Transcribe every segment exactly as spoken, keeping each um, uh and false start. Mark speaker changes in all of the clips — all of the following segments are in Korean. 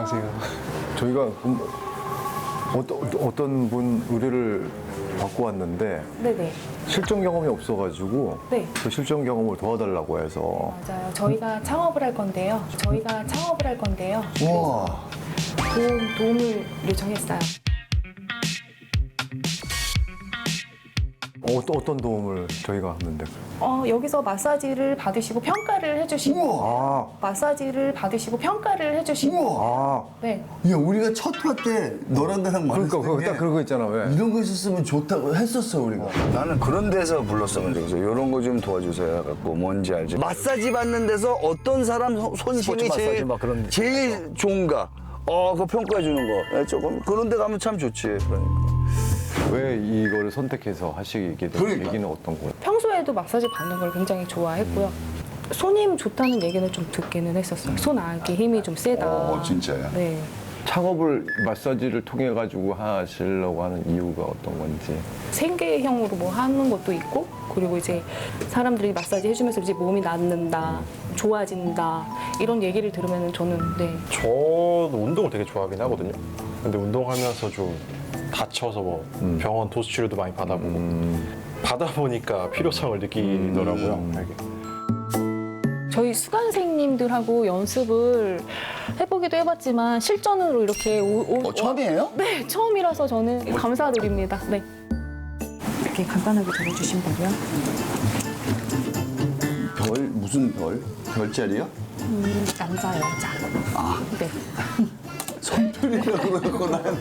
Speaker 1: 안녕하세요.
Speaker 2: 저희가 음, 어떤, 어떤 분 의뢰를 받고 왔는데
Speaker 3: 네네.
Speaker 2: 실전 경험이 없어가지고
Speaker 3: 네.
Speaker 2: 그 실전 경험을 도와달라고 해서
Speaker 3: 맞아요. 저희가 창업을 할 건데요. 저희가 창업을 할 건데요.
Speaker 2: 우와
Speaker 3: 도움, 도움을 요청했어요.
Speaker 2: 어떤, 어떤 도움을 저희가 하는데
Speaker 3: 어, 여기서 마사지를 받으시고 평가를 해주시고
Speaker 2: 아,
Speaker 3: 마사지를 받으시고 평가를 해주시고
Speaker 2: 아
Speaker 3: 네.
Speaker 4: 야, 우리가 첫 화 때 너랑 나랑 말했을
Speaker 2: 그러니까 그거
Speaker 4: 때
Speaker 2: 딱 그런 거 있잖아 왜
Speaker 4: 이런 거 있었으면 좋다고 했었어 우리가.
Speaker 5: 나는 그런 데서 불렀으면 좋겠어. 이런 거 좀 도와주세요. 갖고 뭔지 알지? 마사지 받는 데서 어떤 사람 손- 손심이
Speaker 2: 스포츠 마사지
Speaker 5: 제일,
Speaker 2: 막 그런 데.
Speaker 5: 제일 좋은가? 어, 그거 평가해 주는 거. 예, 조금 그런 데 가면 참 좋지. 그러니까.
Speaker 2: 왜 이거를 선택해서 하시게 된
Speaker 4: 그러니까.
Speaker 2: 얘기는 어떤 거예요?
Speaker 3: 평소에도 마사지 받는 걸 굉장히 좋아했고요. 손님 좋다는 얘기는 좀 듣기는 했었어요. 손 안기 힘이 좀 세다.
Speaker 5: 어, 진짜요?
Speaker 3: 네.
Speaker 2: 창업을 마사지를 통해 가지고 하시려고 하는 이유가 어떤 건지
Speaker 3: 생계형으로 뭐 하는 것도 있고, 그리고 이제 사람들이 마사지 해주면서 이제 몸이 낫는다, 좋아진다 이런 얘기를 들으면 저는 네.
Speaker 1: 저도 운동을 되게 좋아하긴 하거든요. 근데 운동하면서 좀 다쳐서 뭐 병원 도수 치료도 많이 받아보고 받아 보니까 필요성을 느끼더라고요. 되게.
Speaker 3: 저희 수강생님들하고 연습을 해보기도 해봤지만 실전으로 이렇게 오, 오,
Speaker 4: 어, 처음이에요?
Speaker 3: 네, 처음이라서 저는 감사드립니다. 네. 이렇게 간단하게 적어주신 거고요.
Speaker 4: 별 무슨 별? 별자리요?
Speaker 3: 음, 남자, 여자. 아. 네.
Speaker 4: 성별이라고 그러고 난.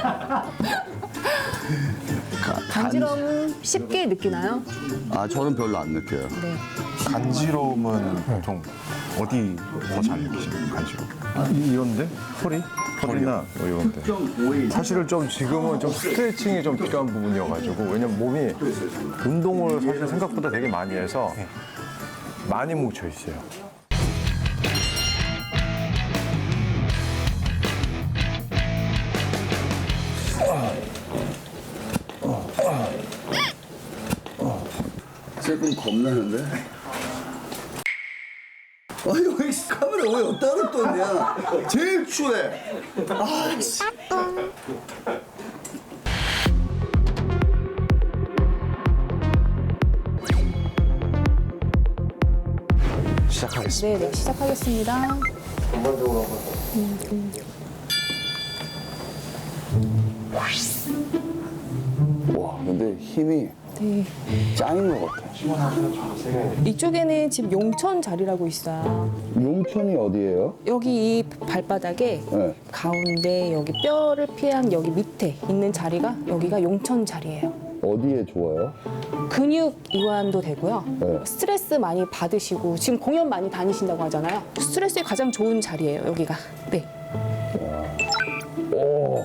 Speaker 3: 간지러움 쉽게 느끼나요?
Speaker 4: 아 저는 별로 안 느껴요.
Speaker 3: 네.
Speaker 6: 간지러움은 보통 어디 더 잘 느끼시나요? 간지러움?
Speaker 2: 이- 이런데? 허리? 허리나 뭐 이런데 사실은 좀 지금은 좀 스트레칭이 좀 필요한 부분이어가지고 왜냐면 몸이 운동을 사실 생각보다 되게 많이 해서 많이 뭉쳐 있어요.
Speaker 4: 조금 겁나는데? 아니 왜 카메라 왜 여기다 뒀냐? 제일 추해. 아 씨.
Speaker 1: 시작하겠습니다.
Speaker 3: 네, 네, 시작하겠습니다.
Speaker 5: 와, 근데 힘이
Speaker 3: 네.
Speaker 5: 짱인 것 같아.
Speaker 3: 이쪽에는 지금 용천 자리라고 있어요.
Speaker 5: 용천이 어디예요?
Speaker 3: 여기 이 발바닥에
Speaker 5: 네.
Speaker 3: 가운데 여기 뼈를 피한 여기 밑에 있는 자리가 여기가 용천 자리예요.
Speaker 5: 어디에 좋아요?
Speaker 3: 근육 이완도 되고요.
Speaker 5: 네.
Speaker 3: 스트레스 많이 받으시고 지금 공연 많이 다니신다고 하잖아요. 스트레스에 가장 좋은 자리예요, 여기가. 네.
Speaker 5: 오.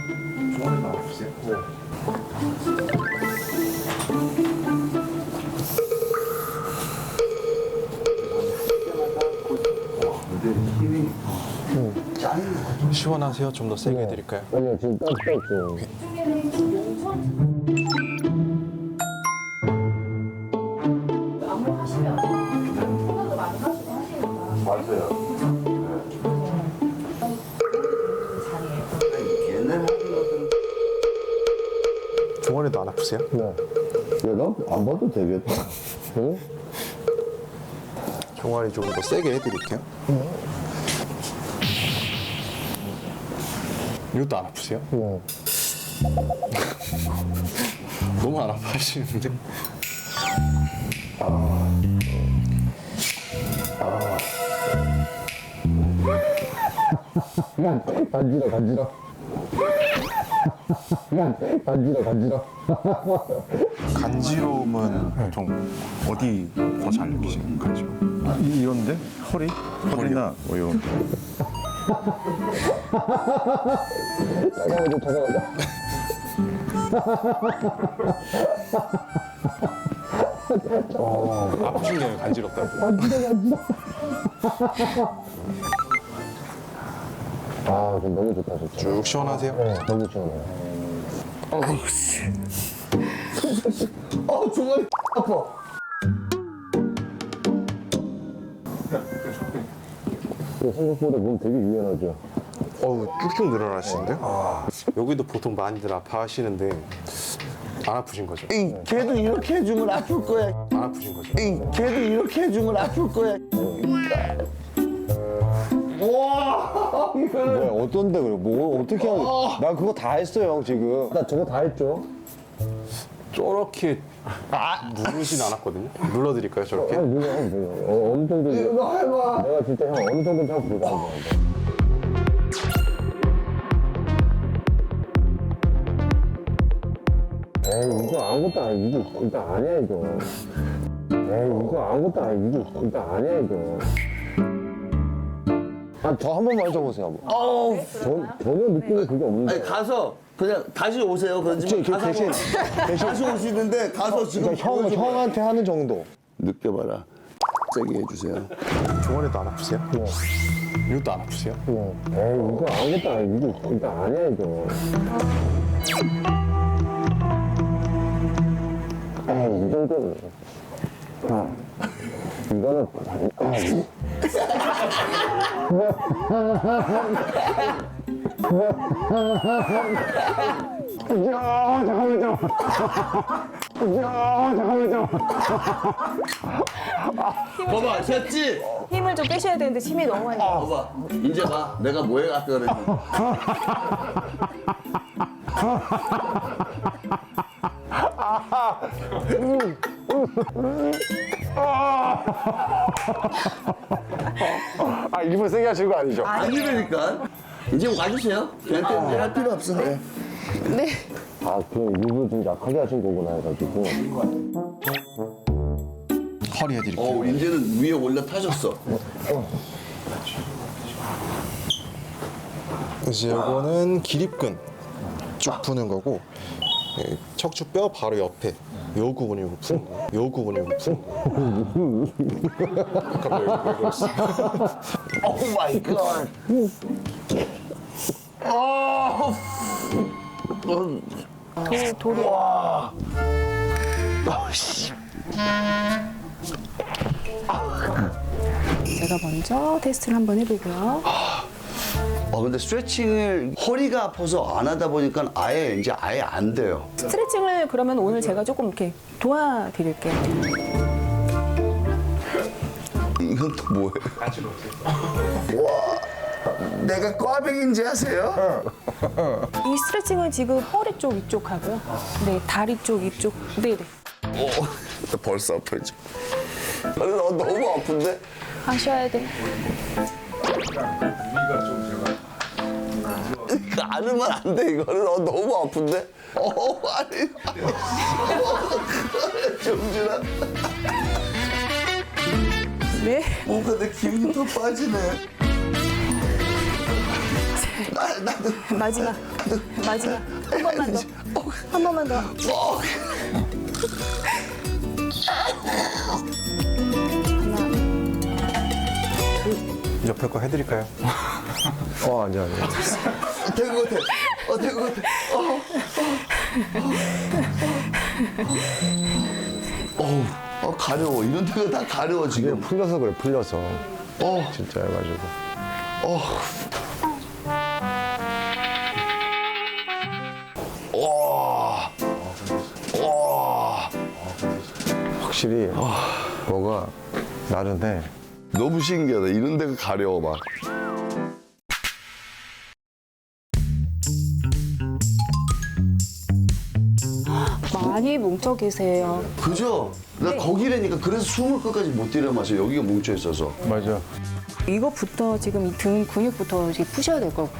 Speaker 1: 시원하세요? 좀 더 세게 해드릴까요?
Speaker 5: 아니요, 지금 딱딱 좀.
Speaker 1: 종아리도 안 아프세요?
Speaker 5: 네. 내가 안 봐도 되겠다. 응?
Speaker 1: 종아리 좀 더 세게 해드릴게요. 이것도 안 아프세요?
Speaker 5: 네.
Speaker 1: 너무 안 아파하시는데?
Speaker 5: 간지러, 간지러. 간지러, 간지러.
Speaker 6: 간지러움은 보통 어디 더 잘 느끼시나요? 간지러움?
Speaker 2: 이- 이런데? 허리? 허리나 뭐 이런데
Speaker 5: 잠깐만요, 잠깐만요.
Speaker 1: 아프시네요, 간지럽다고.
Speaker 5: 아, 좀 너무 좋다, 좋다.
Speaker 1: 쭉 시원하세요?
Speaker 5: 너무 시원해요. 어우, 씨. 어, 종아리 아파. 생각보다 몸 되게 유연하죠?
Speaker 1: 어우 쭉쭉 늘어나시는데요? 여기도 보통 많이들 아파하시는데 안 아프신 거죠?
Speaker 5: 이 걔도 이렇게 해주면 아플 거야.
Speaker 1: 안 아프신 거죠?
Speaker 5: 이 걔도 이렇게 해주면 아플 거야.
Speaker 2: 뭐야 어떤데 그래? 뭐 어떻게 하는? 나 그거 다 했어요 지금. 나 저거 다 했죠.
Speaker 1: 저렇게 누르진 않았거든요? 눌러드릴까요 저렇게?
Speaker 2: 뭐야 뭐야. 어, 어느 정도. 이거 해봐. 내가 진짜 형 어느 정도 잘 불가한 에이 이거 아무것도 아니고 일단 아니야 이거. 에이 이거 아무것도 아니고 일단 아니야 이거. 아 저 한 번만 해줘보세요.
Speaker 5: 어우.
Speaker 2: 전 전혀 느낌이 그게 없는데.
Speaker 5: 아니 가서 그냥 다시 오세요. 그러지
Speaker 2: 저, 저
Speaker 5: 가서
Speaker 2: 대신 대신
Speaker 5: 다시 오시는데 가서 지금
Speaker 2: 그러니까 형
Speaker 5: 보여줘봐요.
Speaker 2: 형한테 하는 정도.
Speaker 5: 느껴봐라. 세게 해주세요.
Speaker 1: 종아리도 안 아프세요? 이것도 안 아프세요?
Speaker 2: 에이 이거 아무것도 아니고 일단 아니야 이거. 에이 이 정도는. 아 이거는 아, 이- 야 잠깐만요. 야 잠깐만요.
Speaker 5: 봐봐, 됐지?
Speaker 3: 힘을 좀 빼셔야 되는데 힘이 너무 많이 들어요.
Speaker 5: 봐봐, 이제 봐. 내가 뭐 해갈까 그랬지.
Speaker 2: 아 일부러 세게 하시는 거 아니죠?
Speaker 5: 아니라니까. 이제 와주세요. 걔한테 할 필요 없어. 네.
Speaker 3: 네.
Speaker 2: 아 그럼 일부러 좀 약하게 하신 거구나 해가지고.
Speaker 1: 허리 해드릴게요.
Speaker 5: 어, 이제는 위에 올라 타셨어.
Speaker 1: 이제 이거는 기립근 쭉 푸는 거고 예, 척추 뼈 바로 옆에 요 부분을 푸는 거예요. 요 부분을 푸는 거예요. 갑자기 왜 그러시죠?
Speaker 5: 오 마이 갓. 어.
Speaker 3: 돌, 돌이. 제가 먼저 테스트를 한번 해보고요.
Speaker 5: 어, 근데 스트레칭을 허리가 아파서 안 하다 보니까 아예 이제 아예 안 돼요.
Speaker 3: 스트레칭을 그러면 오늘 제가 조금 이렇게 도와드릴게요.
Speaker 5: 이건 또 뭐예요? 와, 내가 꽈배기인지 아세요?
Speaker 3: 이 스트레칭은 지금 허리 쪽 이쪽 하고요. 네, 다리 쪽 이쪽. 네네.
Speaker 5: 어, 나 벌써 아파져. 아니, 나 너무 아픈데?
Speaker 3: 하셔야 돼.
Speaker 5: 이거 안 하면 안 돼, 이거는. 어, 너무 아픈데? 어, 아니. 정준아.
Speaker 3: 네.
Speaker 5: 뭔가 내 기운이 더 빠지네. 나, 나도.
Speaker 3: 마지막. 마지막. 한 번만 더. 한 번만 더.
Speaker 5: 어.
Speaker 1: 옆에 거 해드릴까요?
Speaker 2: 어 아니야 아니야.
Speaker 5: 된 것 같아. 어, 된 것 같아. 어, 어. 어, 어, 가려워. 이런 데가 다 가려워,
Speaker 2: 이게
Speaker 5: 지금.
Speaker 2: 풀려서 그래 풀려서.
Speaker 5: 어,
Speaker 2: 진짜 해가지고.
Speaker 5: 어. 와. 와.
Speaker 2: 확실히 뭐가 나른해.
Speaker 5: 너무 신기하다. 이런 데가 가려워, 막.
Speaker 3: 많이 뭉쳐 계세요.
Speaker 5: 그죠? 나 거기라니까. 그래서 숨을 끝까지 못 들여마셔. 여기가 뭉쳐 있어서.
Speaker 2: 맞아.
Speaker 3: 이거부터 지금 이 등 근육부터 이제 푸셔야 될 거고.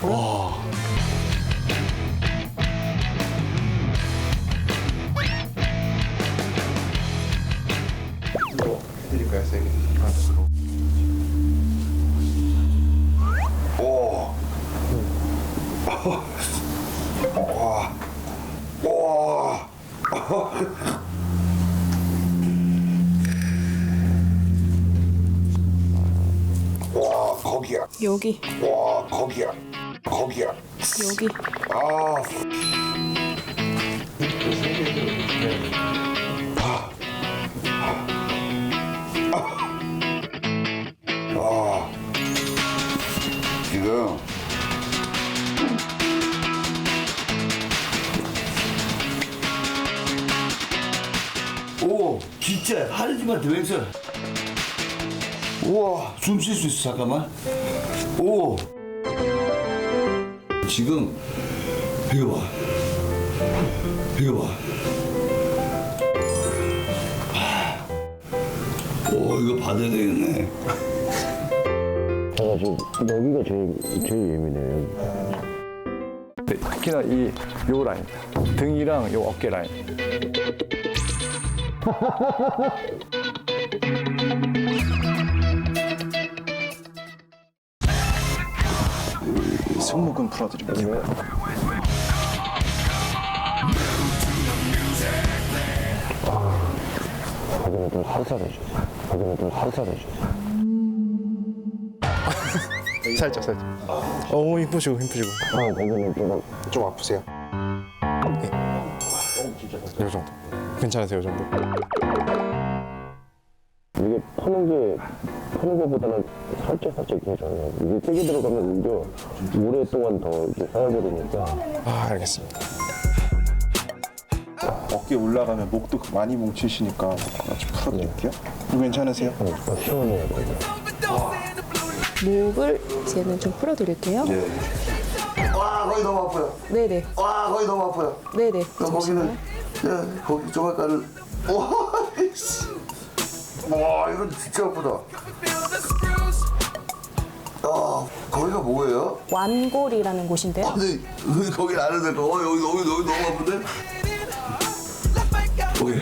Speaker 1: 해드릴까요 세게?
Speaker 6: 와 거기야.
Speaker 3: 여기,
Speaker 6: 와 거기야. 거기야.
Speaker 3: 여기.
Speaker 6: 아. 아. 지금
Speaker 4: 진짜 하늘지만 대맹설. 우와, 숨 쉴 수 있어. 잠깐만. 오. 지금 이거 봐. 이거 봐. 오, 이거 받아야 되겠네.
Speaker 7: 제가 지금 여기가 제일 제일 예민해요.
Speaker 2: 네, 특히나 이 요 라인, 등이랑 요 어깨 라인.
Speaker 6: 승모근 풀어드릴게요.
Speaker 7: 거기는 좀 살살해주세요. 거기는 좀 살살해주세요.
Speaker 1: 살짝 살짝. 어 힘 푸시고 힘 푸시고.
Speaker 7: 아, 거기는 좀
Speaker 1: 좀 아프세요? 네. 이 정도. 괜찮으세요, 이 정도?
Speaker 7: 이게 푸는 게 푸는 것보다는 살짝 살짝 해줘요. 이게 세게 들어가면 오히려 오랫동안 더 이렇게 쌓여버리니까.
Speaker 1: 아 알겠습니다.
Speaker 6: 어깨 올라가면 목도 많이 뭉치시니까 좀 풀어드릴게요. 이거 괜찮으세요?
Speaker 7: 어, 시원해요.
Speaker 3: 목을 이제는 좀 풀어드릴게요.
Speaker 4: 와, 거기 너무 아파요.
Speaker 3: 네네.
Speaker 4: 와, 거기 너무 아파요.
Speaker 3: 네네.
Speaker 4: 너 거기는, 야, 거기 조각가를. 와, 씨. 와, 이건 진짜 아프다. 아, 거기가 뭐예요?
Speaker 3: 완골이라는 곳인데요.
Speaker 4: 근데 왜 거기 안 해도 될까? 어, 여기, 여기, 여기 너무 아픈데? 거기.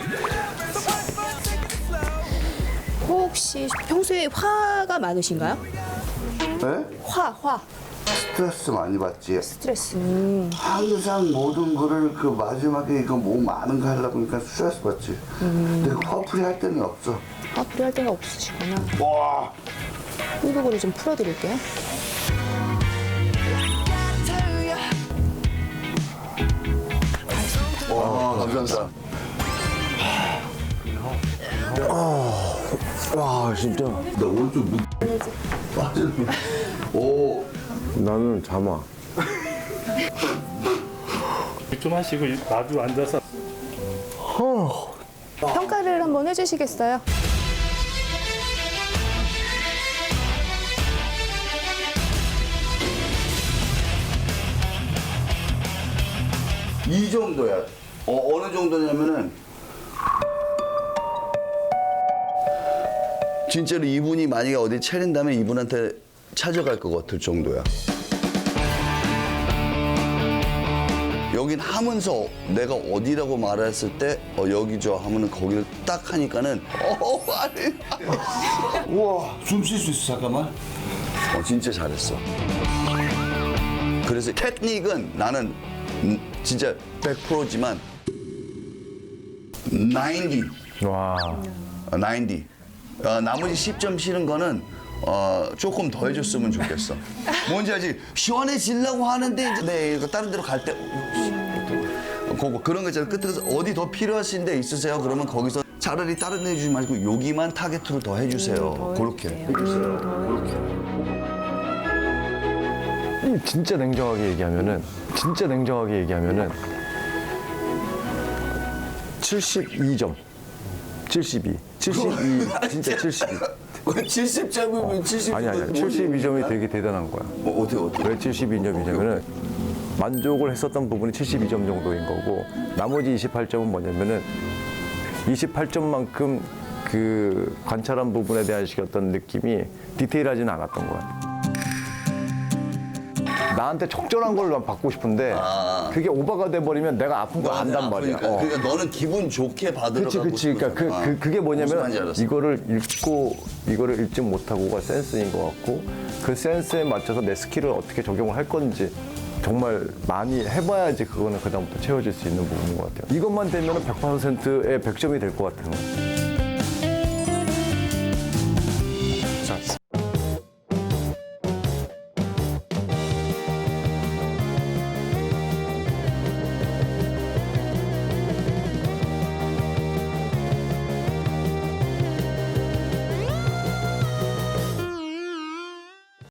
Speaker 3: 혹시 평소에 화가 많으신가요?
Speaker 4: 네?
Speaker 3: 화, 화.
Speaker 4: 스트레스 많이 받지.
Speaker 3: 스트레스. 음.
Speaker 4: 항상 모든 거를 그 마지막에 이거 뭐 많은 거 하려고 하니까 스트레스 받지. 근데 그 화풀이 할 때는 없어.
Speaker 3: 화풀이 할 데가 없으시구나.
Speaker 4: 와,
Speaker 3: 이 부분을 좀 풀어드릴게요.
Speaker 4: 와, 감사합니다.
Speaker 7: 와, 진짜.
Speaker 4: 나 오른쪽 무 빠지는. 오,
Speaker 2: 나는 잠아.
Speaker 8: 좀 하시고 마주 앉아서
Speaker 3: 평가를 한번 해주시겠어요?
Speaker 4: 이 정도야. 어, 어느 정도냐면은 진짜로 이분이 만약에 어디 차린다면 이분한테 찾아갈 것 같을 정도야. 여긴 하면서 내가 어디라고 말했을 때 어, 여기죠 하면은 거기를 딱 하니까는 어 아니 우와 숨 쉴 수 있어 잠깐만. 어 진짜 잘했어. 그래서 테크닉은 나는 음, 진짜 백 퍼센트지만 구십.
Speaker 2: 와.
Speaker 4: 어, 구십. 어, 나머지 십 점 실은 거는 어, 조금 더 해줬으면 좋겠어. 뭔지 알지? 시원해지려고 하는데 이제 네, 이거 다른 데로 갈 때 그거 그런 거 있잖아. 끝에서 어디 더 필요하신 데 있으세요? 그러면 거기서 차라리 다른 데 해주지 말고 여기만 타겟으로 더 해주세요. 그렇게.
Speaker 2: 진짜 냉정하게 얘기하면은 진짜 냉정하게 얘기하면은 칠십이 점. 칠십이. 칠십이. 진짜 칠십이.
Speaker 4: 칠십 점이면 칠십 점.
Speaker 2: 아니 아니. 칠십이 점이 되게 대단한 거야.
Speaker 4: 어, 어떻게 어떻게?
Speaker 2: 왜 칠십이 점이냐면은 만족을 했었던 부분이 칠십이 점 정도인 거고 나머지 이십팔 점은 뭐냐면은 이십팔 점만큼 그 관찰한 부분에 대한 어떤 느낌이 디테일하지는 않았던 거야. 나한테 적절한 걸 난 받고 싶은데
Speaker 4: 아.
Speaker 2: 그게 오버가 돼버리면 내가 아픈 거 안단 말이야.
Speaker 4: 그러니까,
Speaker 2: 어.
Speaker 4: 그러니까 너는 기분 좋게 받으러
Speaker 2: 그치,
Speaker 4: 가고
Speaker 2: 그치. 그러니까 그,
Speaker 4: 싶어서.
Speaker 2: 그, 그게
Speaker 4: 무슨 말인지
Speaker 2: 뭐냐면
Speaker 4: 알았어.
Speaker 2: 이거를 읽고 이거를 읽지 못하고가 센스인 것 같고 그 센스에 맞춰서 내 스킬을 어떻게 적용을 할 건지 정말 많이 해봐야지 그거는 그다음부터 채워질 수 있는 부분인 것 같아요. 이것만 되면 백 퍼센트의 백 점이 될 것 같은 거예요.